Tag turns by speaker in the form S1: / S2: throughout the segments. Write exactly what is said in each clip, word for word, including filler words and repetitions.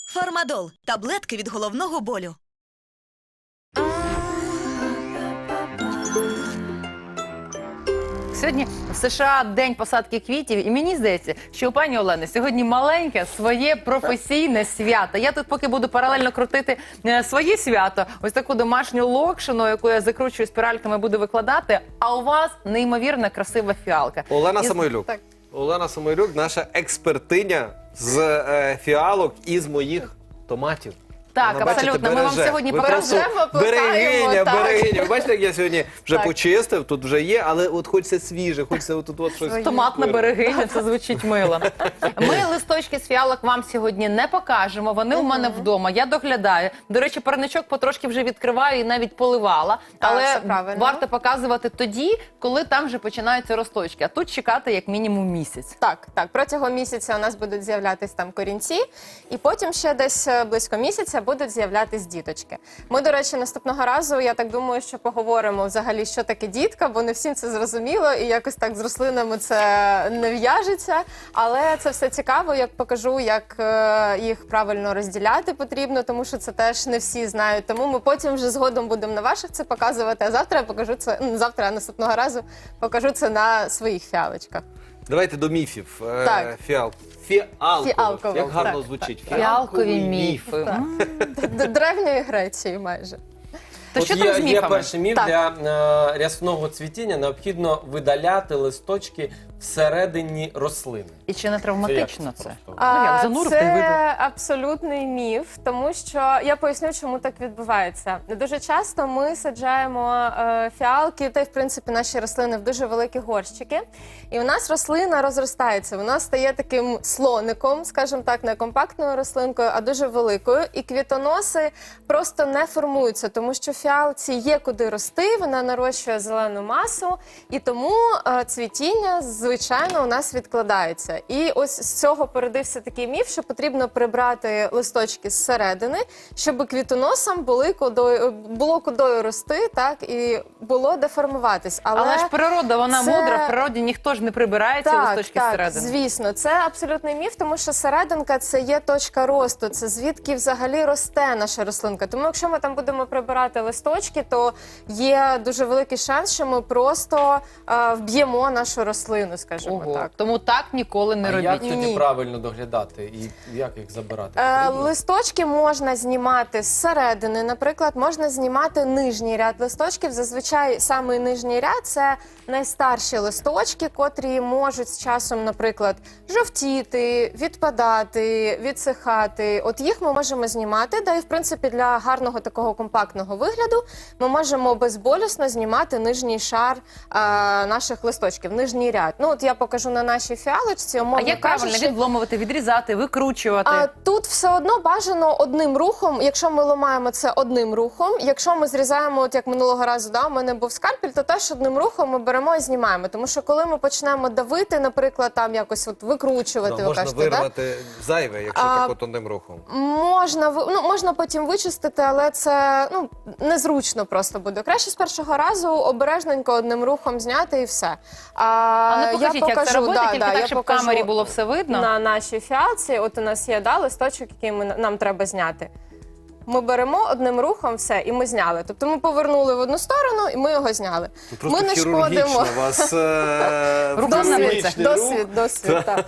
S1: Фармадол – таблетки від головного болю.
S2: Сьогодні в США день посадки квітів, і мені здається, що у пані Олени сьогодні маленьке своє професійне свято. Я тут поки буду паралельно крутити е, своє свято, ось таку домашню локшину, яку я закручую спіральками, буду викладати, а у вас неймовірно красива фіалка.
S3: Олена
S2: І-
S3: Самойлюк.
S2: Так.
S3: Олена Самойлюк, наша експертиня з е, фіалок і з моїх томатів.
S2: Так,
S3: Вона, бачите,
S2: абсолютно. Ми вам
S3: береже.
S2: сьогодні
S3: Ви просто
S2: покажемо, плетаємо,
S3: берегиня,
S2: так.
S3: берегиня. Ви бачите, як я сьогодні вже
S2: Так.
S3: почистив, тут вже є, але от хочеться свіже, хочеться отут от щось.
S2: Томатна берегиня, це звучить мило. Ми листочки з фіалок вам сьогодні не покажемо, вони у мене вдома, я доглядаю. До речі, парничок потрошки вже відкриваю і навіть поливала,
S4: Так,
S2: але
S4: все правильно.
S2: варто показувати тоді, коли там вже починаються росточки, а тут чекати як мінімум місяць.
S4: Так, так. Протягом місяця у нас будуть з'являтись там корінці, і потім ще десь е, близько місяця будуть з'являтись діточки. Ми, до речі, наступного разу, я так думаю, що поговоримо взагалі, що таке дітка, бо не всім це зрозуміло, і якось так з рослинами це не в'яжеться. Але це все цікаво, як покажу, як е, їх правильно розділяти потрібно, тому що це теж не всі знають. Тому ми потім вже згодом будемо на ваших це показувати, а завтра я покажу це, ну, завтра, а наступного разу покажу це на своїх фіалочках.
S3: Давайте до міфів. Е,
S4: Так.
S3: Фіал. Фіалкових.
S4: Фіалкових,
S3: Як гарно
S4: так,
S3: звучить.
S2: Фіалкові міфи.
S4: Так.
S2: М.
S4: До Древньої Греції майже.
S2: То
S5: От
S2: що
S5: є,
S2: там з
S5: є
S2: міфами?
S5: перший міф
S4: Так.
S5: для е, рясного цвітіння. Необхідно видаляти листочки всередині рослини.
S2: І чи не травматично
S5: Це
S2: це?
S5: як це просто?
S2: Ну, як,
S4: А,
S2: занурив та й видав.
S4: Це абсолютний міф, тому що я поясню, чому так відбувається. Дуже часто ми саджаємо е, фіалки, та й в принципі наші рослини в дуже великі горщики. І у нас рослина розростається, вона стає таким слоником, скажімо так, не компактною рослинкою, а дуже великою. І квітоноси просто не формуються, тому що фіалці є куди рости, вона нарощує зелену масу, і тому е, цвітіння, звичайно, у нас відкладається. І ось з цього породився такий міф, що потрібно прибрати листочки зсередини, щоб квітоносам були кудою, було кудою рости, так, і було де формуватись. Але,
S2: Але ж природа, вона
S4: це-
S2: мудра, в природі ніхто ж не прибирає ці
S4: так,
S2: листочки
S4: так,
S2: всередину.
S4: звісно, це абсолютний міф, тому що серединка – це є точка росту, це звідки взагалі росте наша рослинка. Тому якщо ми там будемо прибирати листочки, то є дуже великий шанс, що ми просто е, вб'ємо нашу рослину, скажімо
S2: Ого.
S4: так.
S2: Тому так ніколи не
S5: А
S2: робіть.
S5: як тоді
S4: Ні.
S5: правильно доглядати і як їх забирати?
S4: Е,
S5: Потрібно?
S4: листочки можна знімати зсередини. Наприклад, можна знімати нижній ряд листочків. Зазвичай самий нижній ряд – це найстарші листочки, котрі можуть з часом, наприклад, жовтіти, відпадати, відсихати. От їх ми можемо знімати, да і, в принципі, для гарного такого компактного вигляду ми можемо безболісно знімати нижній шар е, наших листочків, нижній ряд. Ну, от я покажу на нашій фіалочці,
S2: А
S4: умовно
S2: як правильно
S4: кажучи,
S2: відломувати, відрізати, викручувати?
S4: а тут все одно бажано одним рухом, якщо ми ламаємо це одним рухом, якщо ми зрізаємо, от як минулого разу, да, у мене був скальпель, то теж одним рухом ми беремо і знімаємо. Тому що коли ми почнемо давити, наприклад, там якось от викручувати,
S3: Да,
S4: ви
S3: можна
S4: кажете, да?
S3: вирвати зайве, якщо
S4: А,
S3: так от одним рухом.
S4: Можна, ви- ну, можна потім вичистити, але це ну, незручно просто буде. Краще з першого разу обережненько одним рухом зняти і все. А,
S2: А ну покажіть, як це робити,
S4: да,
S2: тільки
S4: да,
S2: так,
S4: я
S2: щоб в
S4: покажу
S2: камері було все видно.
S4: на нашій фіалці. От у нас є да, листочок, який ми, нам треба зняти. Ми беремо одним рухом все, і ми зняли. Тобто ми повернули в одну сторону, і ми його зняли.
S3: Тут просто
S4: ми не
S3: хірургічно
S4: шкодимо.
S3: у вас е,
S2: Рука на
S3: хірургічний
S2: лице.
S3: рух.
S4: Досвід, досвід, так.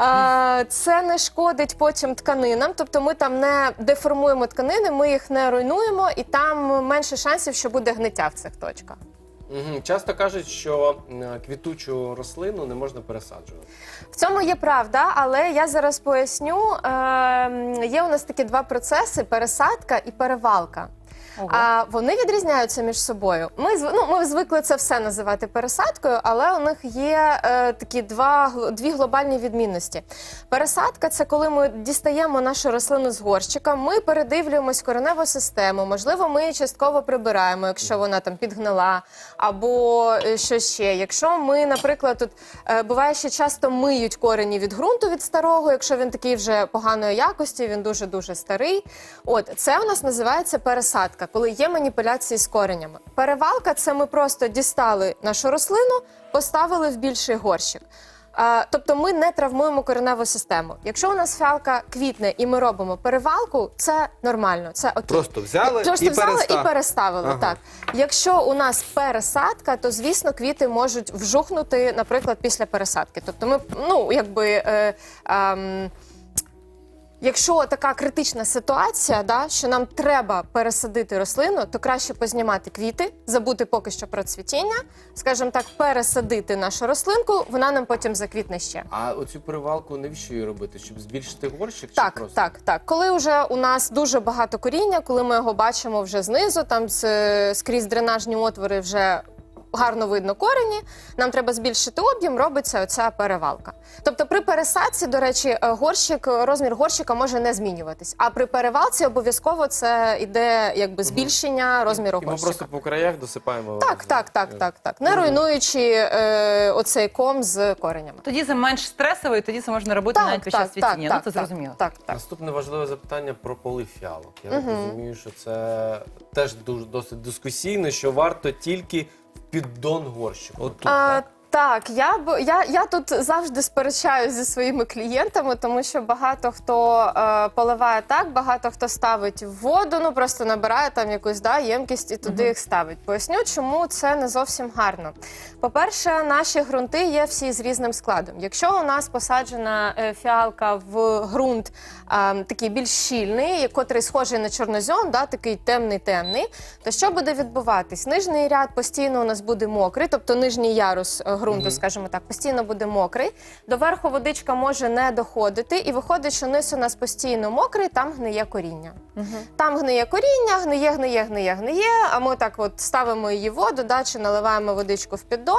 S4: А, це не шкодить потім тканинам, тобто ми там не деформуємо тканини, ми їх не руйнуємо, і там менше шансів, що буде гниття в цих точках.
S5: Мгм. Часто кажуть, що е, квітучу рослину не можна пересаджувати.
S4: В цьому є правда, але я зараз поясню. Е, є у нас такі два процеси – пересадка і перевалка.
S2: Ого.
S4: А вони відрізняються між собою. Ми зв- ну, ми звикли це все називати пересадкою, але у них є е, такі два гл- дві глобальні відмінності. Пересадка – це коли ми дістаємо нашу рослину з горщика, ми передивлюємось кореневу систему, можливо, ми її частково прибираємо, якщо вона там підгнила, або е, що ще. Якщо ми, наприклад, тут е, буває, що часто миють корені від ґрунту від старого, якщо він такий вже поганої якості, він дуже-дуже старий. От, це у нас називається пересадка, коли є маніпуляції з коренями. Перевалка – це ми просто дістали нашу рослину, поставили в більший горщик. А, тобто ми не травмуємо кореневу систему. Якщо у нас фіалка квітне і ми робимо перевалку, це нормально, це окей.
S3: Просто взяли
S4: Просто
S3: і
S4: взяли
S3: перестав-
S4: і переставили.
S3: Ага.
S4: Так. Якщо у нас пересадка, то звісно квіти можуть вжухнути, наприклад, після пересадки. Тобто ми, ну якби. Е, ем, Якщо така критична ситуація, да, що нам треба пересадити рослину, то краще познімати квіти, забути поки що про цвітіння, скажімо так, пересадити нашу рослинку, вона нам потім заквітне ще.
S5: А оцю перевалку навіщо її робити? Щоб збільшити горщик? Чи
S4: Так,
S5: просто?
S4: так, так. Коли вже у нас дуже багато коріння, коли ми його бачимо вже знизу, там з- скрізь дренажні отвори вже гарно видно корені, нам треба збільшити об'єм, робиться оця перевалка. Тобто при пересадці, до речі, горщик, розмір горщика може не змінюватись, а при перевалці обов'язково це йде якби збільшення розміру
S5: І ми
S4: горщика.
S5: просто по краях досипаємо.
S4: Так,
S5: з-
S4: так, так, так, так. Не руйнуючи е, оцей ком з коренями.
S2: Тоді це менш стресово, і тоді це можна робити навіть під час цвітіння. Ну, це зрозуміло.
S4: Так, так.
S5: Наступне важливе запитання про полив фіалок. Я так розумію, що це теж дуже досить дискусійно, що варто тільки в піддон горщику.
S3: От тут,
S4: А,
S3: так?
S4: так, я, б- я, я тут завжди сперечаюся зі своїми клієнтами, тому що багато хто е, поливає так, багато хто ставить в воду, ну просто набирає там якусь да, ємкість і туди їх ставить. Поясню, чому це не зовсім гарно. По-перше, наші ґрунти є всі з різним складом. Якщо у нас посаджена е, фіалка в ґрунт е, такий більш щільний, котрий схожий на чорнозьом, да, такий темний-темний, то що буде відбуватись? Нижній ряд постійно у нас буде мокрий, тобто нижній ярус е, ґрунту, скажімо так, постійно буде мокрий. До верху водичка може не доходити, і виходить, що низ у нас постійно мокрий, там гниє коріння. Там гниє коріння, гниє, гниє, гниє, гниє, а ми так от ставимо її в воду, да, чи наливаємо водичку в піддон,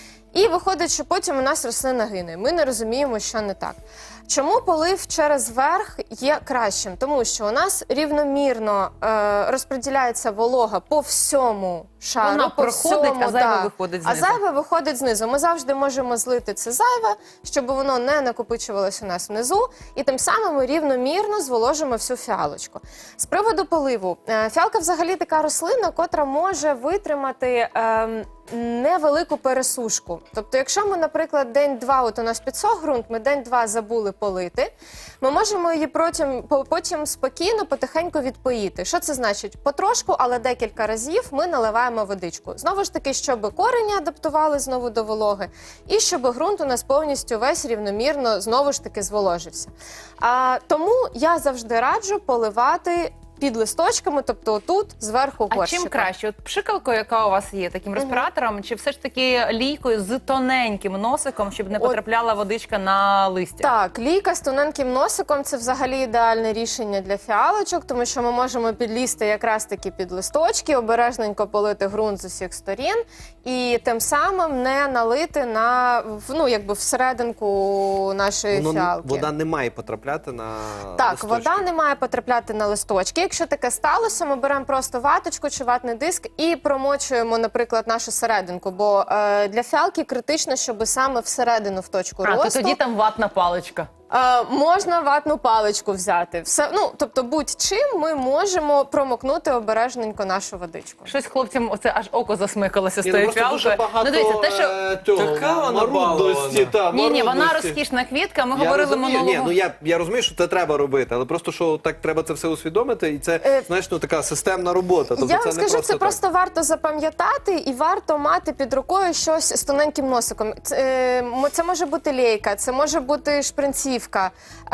S4: і виходить, що потім у нас рослина гине. Ми не розуміємо, що не так. Чому полив через верх є кращим? Тому що у нас рівномірно е, розподіляється волога по всьому шару.
S2: Вона
S4: по
S2: проходить,
S4: всьому,
S2: а зайве
S4: да.
S2: виходить
S4: А
S2: знизу.
S4: зайве виходить знизу. Ми завжди можемо злити це зайве, щоб воно не накопичувалось у нас внизу, і тим самим ми рівномірно зволожимо всю фіалочку. З приводу поливу. Е, Фіалка взагалі така рослина, котра може витримати ем, невелику пересушку. Тобто, якщо ми, наприклад, день-два, от у нас підсох ґрунт, ми день-два забули полити, ми можемо її потім, по- потім спокійно, потихеньку відпоїти. Що це значить? Потрошку, але декілька разів ми наливаємо водичку. Знову ж таки, щоб корені адаптували знову до вологи, і щоб ґрунт у нас повністю весь рівномірно знову ж таки зволожився. А, тому я завжди раджу поливати під листочками, тобто отут, зверху
S2: А
S4: горщика.
S2: чим краще? От пшикалкою, яка у вас є, таким респіратором, чи все ж таки лійкою з тоненьким носиком, щоб не
S4: От-
S2: потрапляла водичка на листя?
S4: Так, лійка з тоненьким носиком – це взагалі ідеальне рішення для фіалочок, тому що ми можемо підлізти якраз таки під листочки, обережненько полити ґрунт з усіх сторін і тим самим не налити на, в- ну, якби всерединку нашої
S3: Воно,
S4: фіалки.
S3: вода не має потрапляти на
S4: Так,
S3: листочки.
S4: вода не має потрапляти на листочки. Якщо таке сталося, ми беремо просто ваточку чи ватний диск і промочуємо, наприклад, нашу серединку. Бо е, для фіалки критично, щоб саме всередину в точку
S2: А, то
S4: росту.
S2: тоді там ватна паличка.
S4: Е, можна ватну паличку взяти. Все, ну, тобто будь-чим ми можемо промокнути обережненько нашу водичку.
S2: Щось хлопцям оце аж око засмикалося з
S3: Ні, ну,
S2: тої
S3: просто
S2: фіалки.
S3: дуже багато,
S2: Ну, дивіться, те, що...
S3: е, цього,
S5: Така вона
S3: марудності,
S5: балована.
S3: та,
S2: Ні, ні, вона
S3: марудності.
S2: розкішна квітка. Ми
S3: Я
S2: говорили
S3: розумію,
S2: минулого.
S3: ні, ну я, я розумію, що це треба робити, але просто що так треба це все усвідомити, і це,
S4: Е,
S3: знаєш, ну така системна робота. Тобто
S4: Я
S3: це
S4: вам
S3: не
S4: скажу,
S3: просто
S4: це
S3: так.
S4: просто варто запам'ятати і варто мати під рукою щось з тоненьким носиком. Це, е, мо- це може бути лейка, це може бути шпринцівка.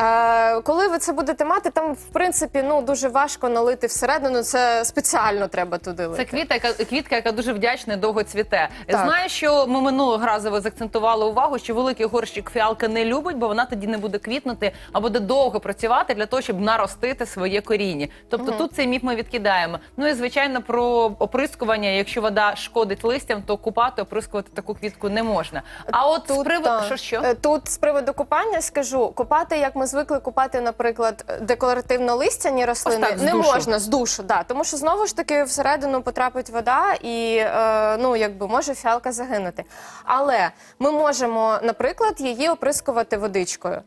S4: Е, коли ви це будете мати, там в принципі ну дуже важко налити всередину. Це спеціально треба туди лити.
S2: Це квітка, яка, квітка, яка дуже вдячна і довго цвіте.
S4: Так.
S2: Знаю, що ми минулого разу ви заакцентували увагу, що великий горщик фіалка не любить, бо вона тоді не буде квітнути, а буде довго працювати для того, щоб наростити своє коріння. Тобто тут цей міф ми відкидаємо. Ну і звичайно про оприскування. Якщо вода шкодить листям, то купати, оприскувати таку квітку не можна. А от з приводу
S4: так.
S2: що що?
S4: Е, Тут з приводу купання скажу, купати, як ми звикли купати, наприклад, декоративно-листяні рослини,
S2: Ось так, з
S4: не
S2: душу.
S4: можна з душу, да, тому що знову ж таки всередину потрапить вода і е, ну якби може фіалка загинути. Але ми можемо, наприклад, її оприскувати водичкою.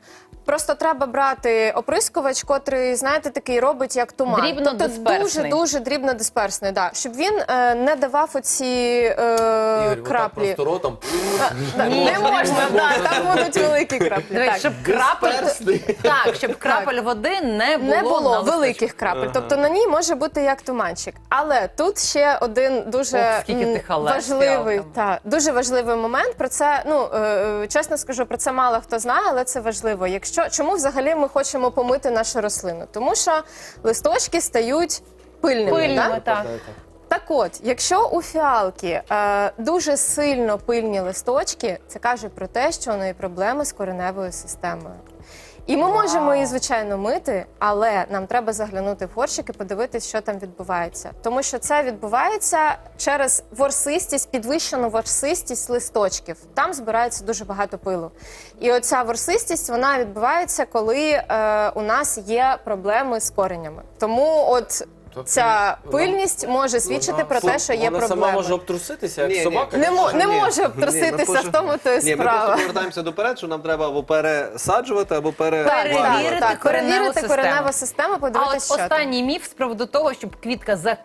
S4: Просто треба брати оприскувач, котрий, знаєте, такий робить як туман. Тобто
S2: Дрібнодисперсний.
S4: дуже-дуже дрібнодисперсний, да. Щоб він е, не давав оці е,
S5: Ігор, отак
S4: краплі.
S5: просто ротом.
S4: Да, не можна, да, там будуть великі краплі.
S2: Дивись,
S4: так.
S2: щоб крапель, так, щоб крапель води не було,
S4: Не було
S2: на листочку.
S4: великих крапель, тобто на ній може бути як туманчик. Але тут ще один дуже
S2: Ох, скільки
S4: м,
S2: ти халат з
S4: важливий,
S2: фіалками.
S4: та, дуже важливий момент. Про це, ну е, чесно скажу, про це мало хто знає, але це важливо. Якщо чому взагалі ми хочемо помити нашу рослину? Тому що листочки стають пильними.
S2: Пильними,
S4: да?
S2: так.
S4: Так от, якщо у фіалки е, дуже сильно пильні листочки, це каже про те, що у неї проблеми з кореневою системою. І ми можемо її, звичайно, мити, але нам треба заглянути в горщик і подивитись, що там відбувається. Тому що це відбувається через ворсистість, підвищену ворсистість листочків. Там збирається дуже багато пилу. І оця ворсистість, вона відбувається, коли е, у нас є проблеми з коренями. Тому от
S5: Тобто
S4: ця
S5: вона-
S4: пильність може свідчити про те, що є
S5: Вона сама
S4: проблеми.
S5: може обтруситися, як
S3: Ні, ні.
S5: собака.
S4: Не, мо- не
S3: Ні.
S4: може
S3: Ні,
S4: обтруситися,
S3: ми
S4: в тому то і
S3: Ні, ми
S4: справа.
S3: просто повертаємося доперед, що нам треба або пересаджувати, або
S2: Перевірити
S3: переварювати.
S4: так,
S2: кореневу
S4: перевірити
S2: систему.
S4: кореневу систему,
S2: А от
S4: подивитися, що там.
S2: останній міф з приводу того, щоб квітка за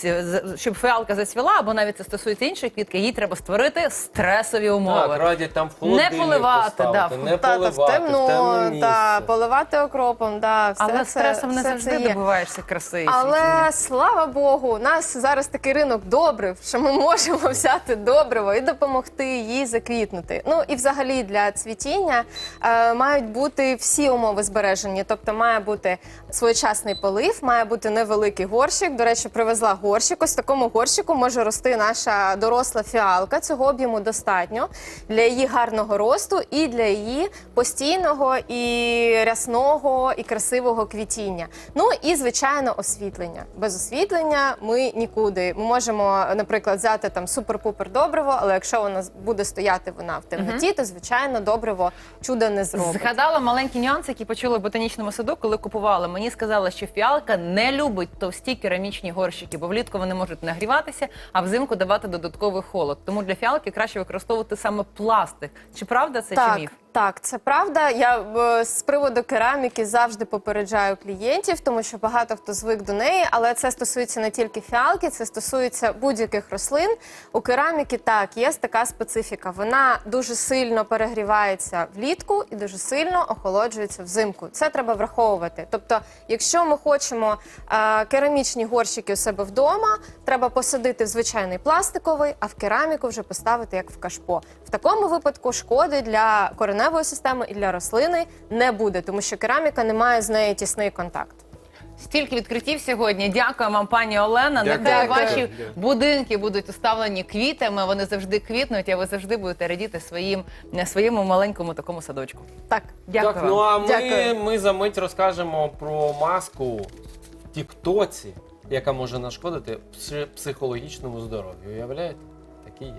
S2: щоб фіалка зацвіла, або навіть це стосується іншої квітки, їй треба створити стресові умови.
S5: Так, радять там в холодильник
S2: Не поливати,
S5: поставити,
S2: да,
S5: не
S4: Та, та
S5: поливати,
S4: в темно,
S5: темне
S4: та,
S5: місце.
S4: поливати окропом, да, все
S2: Але
S4: це,
S2: стресом не
S4: все
S2: завжди
S4: це є.
S2: добиваєшся краси. і
S4: Але
S2: світіння.
S4: слава Богу, у нас зараз такий ринок добрив, що ми можемо взяти добриво і допомогти їй заквітнути. Ну і взагалі для цвітіння е, мають бути всі умови збережені. Тобто має бути своєчасний полив, має бути невеликий горщик. До речі, привезла горщик. Ось в такому горщику може рости наша доросла фіалка. Цього об'єму достатньо для її гарного росту і для її постійного і рясного і красивого квітіння. Ну і звичайно освітлення. Без освітлення ми нікуди. Ми можемо, наприклад, взяти там супер-пупер добриво, але якщо вона буде стояти вона в темноті, то звичайно добриво чуда не зробить.
S2: Згадала маленькі нюанси, які почули в ботанічному саду, коли купували. Мені сказали, що фіалка не любить товсті керамічні горщики, бо влітку вони можуть нагріватися, а взимку давати додатковий холод. Тому для фіалки краще використовувати саме пластик. Чи правда це,
S4: Так,
S2: чи міф?
S4: так, це правда. Я е, з приводу кераміки завжди попереджаю клієнтів, тому що багато хто звик до неї, але це стосується не тільки фіалки, це стосується будь-яких рослин. У кераміки так, є така специфіка. Вона дуже сильно перегрівається влітку і дуже сильно охолоджується взимку. Це треба враховувати. Тобто, якщо ми хочемо е, керамічні горщики у себе вдома, треба посадити в звичайний пластиковий, а в кераміку вже поставити як в кашпо. В такому випадку шкоди для кореневої системи і для рослини не буде, тому що кераміка не має з нею тісний контакт.
S2: Стільки відкриттів сьогодні. Дякую вам, пані Олена.
S3: Дякую.
S2: Нехай
S4: Дякую.
S2: ваші будинки будуть уставлені квітами, вони завжди квітнуть, а ви завжди будете радіти своїм, своєму маленькому такому садочку.
S4: Так.
S2: Дякую
S5: Так,
S2: вам.
S5: ну а ми,
S4: Дякую.
S5: ми за мить розкажемо про маску в тіктоці, яка може нашкодити пси- психологічному здоров'ю. Уявляєте? Такі є.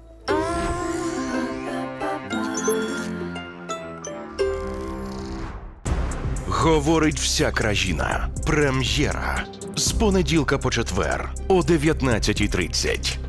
S6: Говорить вся країна. Прем'єра. З понеділка по четвер о дев'ятнадцятій тридцять.